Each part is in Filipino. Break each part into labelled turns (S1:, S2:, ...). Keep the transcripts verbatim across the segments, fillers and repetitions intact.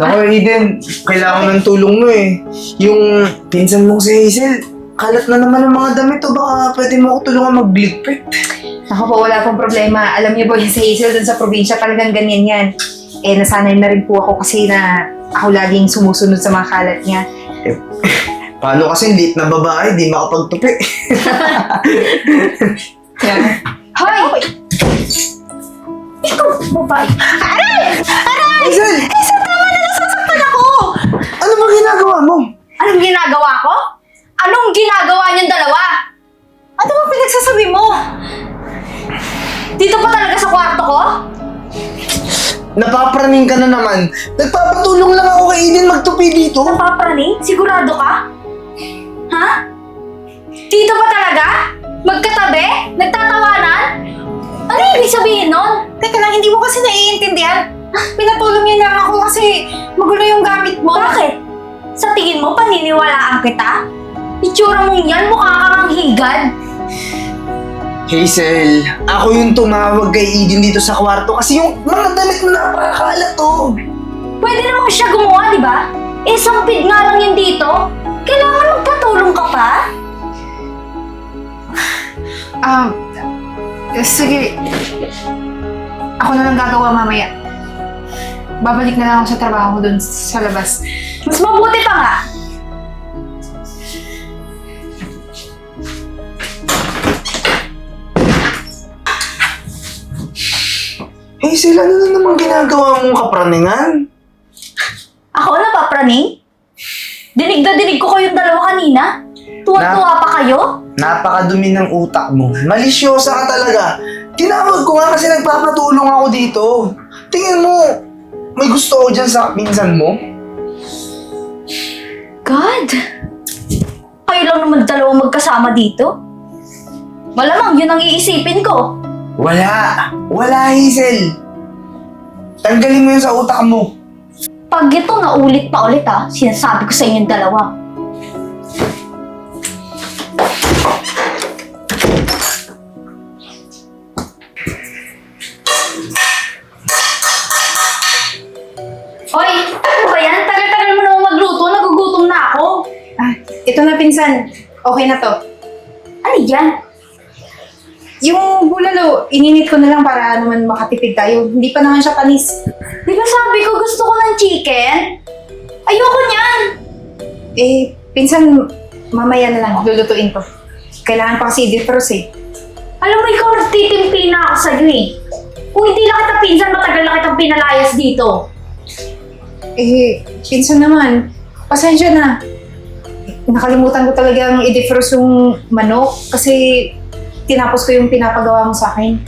S1: Naku, Eden, kailangan ng tulong mo eh. Yung pinsan mong si Hazel, kalat na naman ang mga damit o baka pwede mo ako tulungan magligpit.
S2: Ako po, wala pong problema. Alam niyo po, yung sa Hazel dun sa probinsya, talagang ganyan yan. Eh, nasanay na rin po ako kasi na ako laging sumusunod sa mga kalat niya.
S1: Eh, paano kasi lit na babae, di makapagtupi.
S2: Yan.
S3: Hoy! Ikaw, babae. Aray! Aray!
S1: Hazel!
S3: Hazel, tama na, nasasaktan ako!
S1: Ano ba ginagawa mo?
S3: Anong ginagawa ko? Anong ginagawa niyong dalawa? Ano ba pinagsasabi mo? Dito pa talaga sa kwarto ko?
S1: Napapraning ka na naman. Nagpapatulong lang ako kay Eden magtupi dito.
S3: Napapraning? Sigurado ka? Ha? Dito pa talaga? Magkatabi? Nagtatawanan? Ano ibig sabihin nun?
S2: Teka lang, hindi mo kasi naiintindihan. Pinatulong niya lang ako kasi magulo yung gamit mo.
S3: Bakit? Sa tingin mo, paniniwalaan kita? Itsura mong yan, mukha kang higad.
S1: Hazel, ako yung tumawag kay Eden dito sa kwarto kasi yung mga damit mo napakakalat oh.
S3: Pwede namang siya gumawa, di ba? Eh, sampid nga lang yan dito. Kailangan magpatulong ka pa?
S2: Um, sige. Ako na lang gagawa mamaya. Babalik na lang ako sa trabaho dun sa labas.
S3: Mas mabuti pa nga.
S1: Hazel, ano na naman ginagawa mong kapraningan?
S3: Ako napapraning? Dinig na dinig ko kayong dalawa kanina. Tuwa-tuwa pa kayo?
S1: Napakadumi ng utak mo. Malisyosa ka talaga. Tinawag ko nga kasi nagpapatulong ako dito. Tingin mo, may gusto ko dyan sa pinsan mo?
S3: God! Kayo lang naman dalawa magkasama dito? Malamang yun ang iisipin ko.
S1: Wala. Wala, Hazel. Tanggalin mo yun sa utak mo.
S3: Pag ito naulit pa ulit ha, sinasabi ko sa inyong dalawa. Hoy! Ano ba yan? Tagal-tagal mo naman magluto, nagugutom na ako.
S2: Ah, ito na pinsan. Okay na to.
S3: Ano yan?
S2: Yung bulalo, ininit ko na lang para naman makatipid tayo. Hindi pa naman siya panis.
S3: Di ba sabi ko gusto ko ng chicken? Ayoko niyan!
S2: Eh, pinsan, mamaya na lang. Lulutuin ko. Kailangan pa kasi i-defrost eh.
S3: Alam mo, ikaw nagtitimpi na ako sa'yo eh. Kung hindi lang kita pinsan, matagal na kitang pinalayas dito.
S2: Eh, pinsan naman. Pasensya na. Nakalimutan ko talagang i-defrost yung manok kasi tinapos ko yung pinapagawa mo sa akin.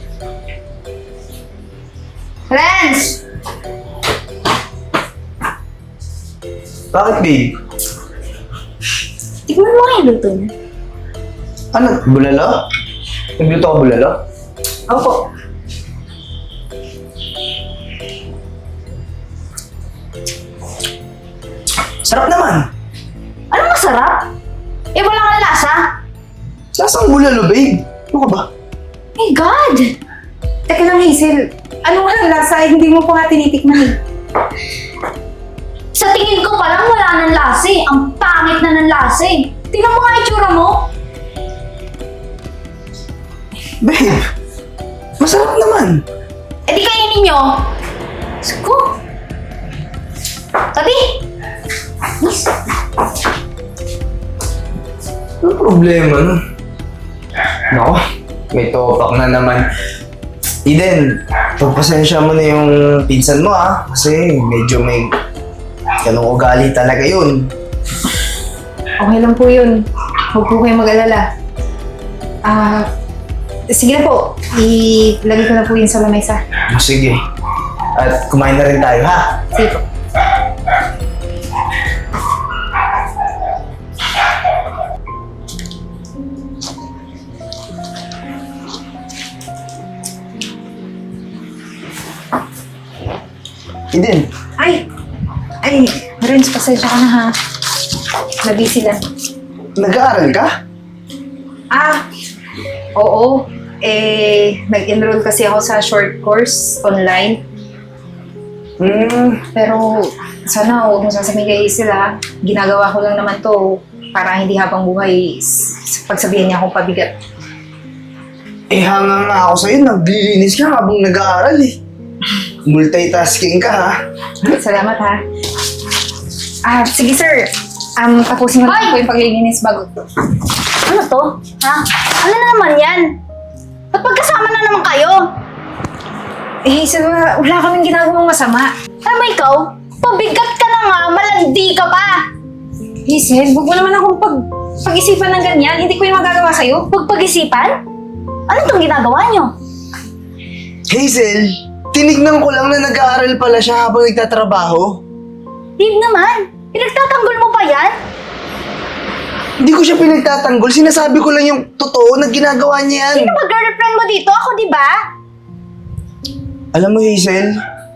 S2: Renz!
S1: Bakit, babe?
S3: Tignan mo nga yung luto niya.
S1: Ano? Bulalo? Nagluto ka bulalo?
S2: Opo.
S1: Sarap naman.
S3: Ano masarap? Eh, wala kang lasa.
S1: Lasang bulalo, babe. Ano ka ba?
S3: My God!
S2: Teka lang, Hazel. Ano nga ang lasa? Eh, hindi mo pa nga tinitikman eh.
S3: Sa tingin ko palang wala ng lasa eh. Ang pangit na ng lasa eh. Tingnan mo nga yung tsura mo.
S1: Babe, masarap naman.
S3: Eh di kainin nyo. Sko. Tabi. Yes.
S1: Ano problema nun? Nako, may topak na naman. Eden, pagpasensya mo na yung pinsan mo ah. Kasi medyo may ganong ugali talaga yun.
S2: Okay lang po yun. Huwag po kayong mag-alala. Ah, sige na po. Ilagay ko na po yun sa lamesa.
S1: Oh, sige. At kumain na rin tayo ha.
S2: Sige po.
S1: Eden,
S2: Ay! Ay, Renz, pasensya ka na ha. Nabisi lang.
S1: nag-aaral ka?
S2: Ah, oo. Eh, nag-enroll kasi ako sa short course online.
S1: Hmm,
S2: Pero sana huwag mo sasabihin kay Hazel ha. Ginagawa ko lang naman to para hindi habang buhay s- pagsabihan niya akong pabigat.
S1: eh hanga nga ako sa'yo, naglilinis ka habang nag-aaral eh. Multitasking ka ha.
S2: Salamat ha. Ah, sige sir. Um, tapusin mo
S3: Hoy!
S2: na po yung paglilinis bago.
S3: Ano to? Ha? Ano na naman yan? Ba't magkasama na naman kayo?
S2: Eh, Hazel, wala, wala kaming ginagawang masama.
S3: Alam mo ikaw, pabigat ka na nga, malandi ka pa.
S2: Hazel, huwag mo naman akong pag, pag-isipan ng ganyan. Hindi ko yung magagawa sa'yo.
S3: Huwag pag-isipan? Ano tong ginagawa nyo?
S1: Hazel, tinignan ko lang na nag-aaral pala siya habang nagtatrabaho.
S3: Dave naman, pinagtatanggol mo pa yan?
S1: Hindi ko siya pinagtatanggol, sinasabi ko lang yung totoo na ginagawa niya yan.
S3: Sino ba girlfriend mo dito? Ako, di ba?
S1: Alam mo, Hazel,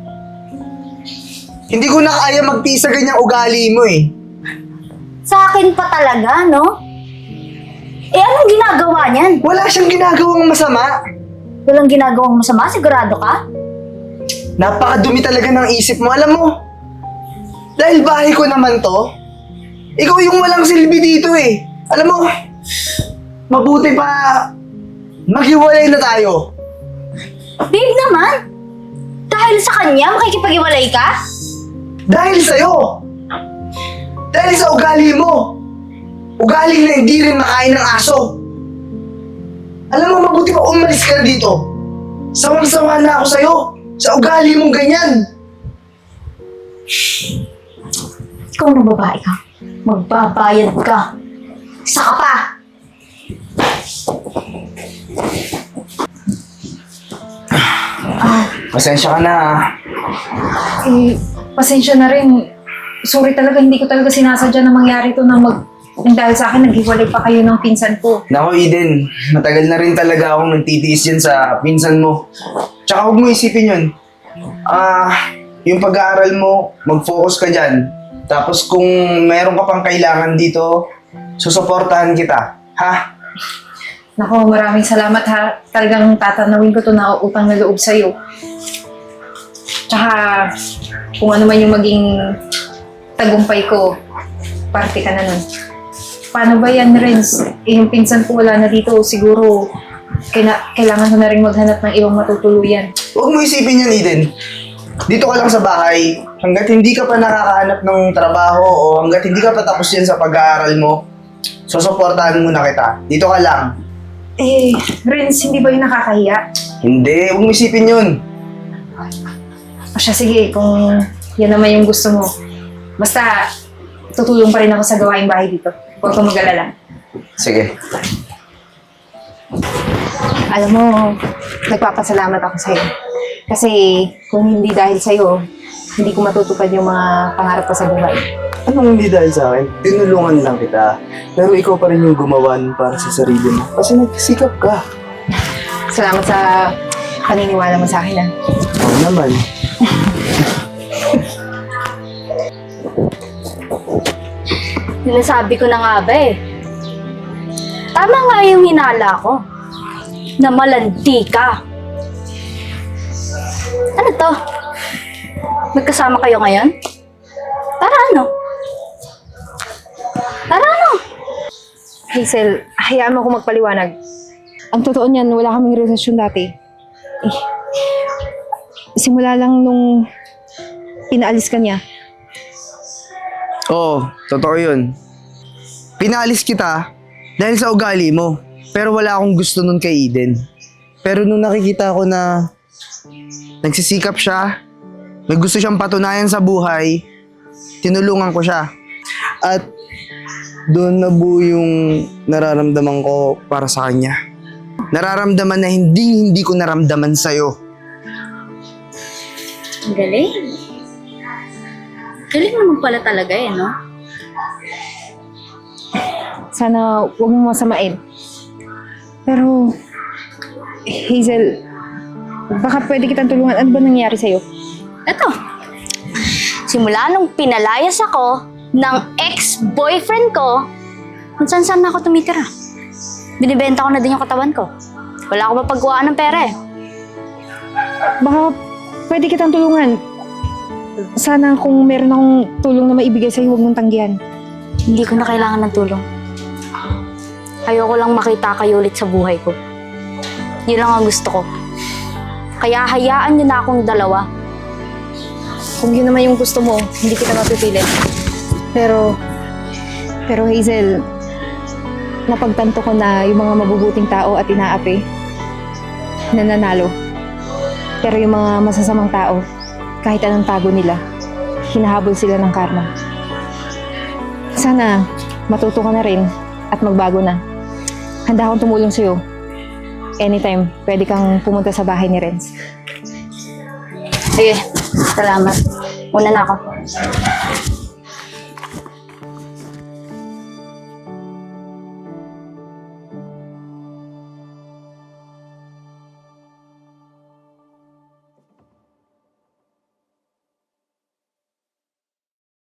S1: hindi ko na kaya magtiis sa ganyang ugali mo eh.
S3: Sa akin pa talaga, no? Eh, anong ginagawa niyan?
S1: Wala siyang ginagawang masama.
S3: Walang ginagawang masama? Sigurado ka?
S1: Napakadumi talaga ng isip mo, alam mo. Dahil bahay ko naman to, ikaw yung walang silbi dito eh. Alam mo, mabuti pa maghiwalay na tayo.
S3: Babe naman, dahil sa kanya, makikipag-iwalay ka?
S1: Dahil sa'yo. Dahil sa ugali mo. Ugali na hindi rin makain ng aso. Alam mo, mabuti pa umalis ka na dito. Sawang-sawa na ako sa'yo. Sa ugali mong ganyan.
S3: Ikaw na babae ka. Magbabayad ka. Isa ka pa.
S1: Pasensya ka na ah.
S2: Eh, pasensya na rin. Sorry talaga, hindi ko talaga sinasadya na mangyari to na mag... Nang dahil sa akin, naghiwalay pa kayo ng pinsan ko.
S1: Nako Eden, matagal na rin talaga akong nagtitiis yan sa pinsan mo. Tsaka huwag mo isipin yun. Ah, yung pag-aaral mo, mag-focus ka dyan. Tapos kung meron ka pang kailangan dito, susuportahan kita. Ha?
S2: Nako, maraming salamat ha. Talagang tatanawin ko to na utang na loob sa'yo. Tsaka, kung ano man yung maging tagumpay ko, parte ka na nun. Paano ba yan, Renz? Eh, yung pinsan ko wala na dito. Siguro, kaila- kailangan ko na rin maghanap ng ibang matutuluyan.
S1: Huwag mo isipin yan, Eden. Dito ka lang sa bahay, hanggat hindi ka pa nakakahanap ng trabaho o hanggat hindi ka pa tapos yan sa pag-aaral mo, susuportahan muna kita. Dito ka lang.
S2: Eh, Renz, hindi ba yung nakakahiya?
S1: Hindi, huwag mo isipin yun.
S2: O siya, sige, kung yan naman yung gusto mo. Basta, tutulong pa rin ako sa gawaing bahay dito. Huwag kang mag-alala.
S1: Sige.
S2: Alam mo, nagpapasalamat ako sa'yo. Kasi kung hindi dahil sa'yo, hindi ko matutupad yung mga pangarap ko sa buhay.
S1: Anong hindi dahil sa akin? Tinulungan lang kita. Pero ikaw pa rin yung gumawan para sa sarili mo. Kasi nagsikap ka.
S2: Salamat sa paniniwala mo sa akin, ah.
S1: Oo naman.
S3: Sinasabi ko na nga ba eh. Tama nga yung hinala ko. Na malandi ka. Ano to? Magkasama kayo ngayon? Para ano? Para ano?
S2: Hazel, hayaan mo ako magpaliwanag. Ang totoo niyan, wala kaming relasyon dati. Eh, simula lang nung pinaalis ka niya.
S1: Oo, totoo yun. Pinalis kita dahil sa ugali mo. Pero wala akong gusto nun kay Eden. Pero nung nakikita ko na nagsisikap siya, may gusto siyang patunayan sa buhay, tinulungan ko siya. At doon nabuo yung nararamdaman ko para sa kanya. Nararamdaman na hindi hindi ko naramdaman sa'yo.
S3: Ang galing. Galing naman pala talaga eh, no?
S2: Sana huwag mo masamain. Pero, Hazel, baka pwede kitang tulungan. Ano ba nangyari sa'yo?
S3: Eto. Simula nung pinalayas ako ng ex-boyfriend ko, kung saan-saan na ako tumitira. Binibenta ko na din yung katawan ko. Wala ako mapagkuhaan ng pera eh.
S2: Baka pwede kitang tulungan. sana kung meron akong tulong na maibigay sa'yo, huwag mong tanggihan.
S3: Hindi ko na kailangan ng tulong. Ayoko lang makita kayo ulit sa buhay ko. Yun lang ang gusto ko. Kaya hayaan niyo na akong dalawa.
S2: Kung yun naman yung gusto mo, hindi kita mapipilit. Pero, pero Hazel, napagtanto ko na yung mga mabubuting tao at inaapi, nananalo. Pero yung mga masasamang tao, kahit anong tago nila, hinahabol sila ng karma. Sana matuto ka na rin at magbago na. Handa akong tumulong sa'yo. Anytime, pwede kang pumunta sa bahay ni Renz.
S3: Sige, salamat. Una na ako.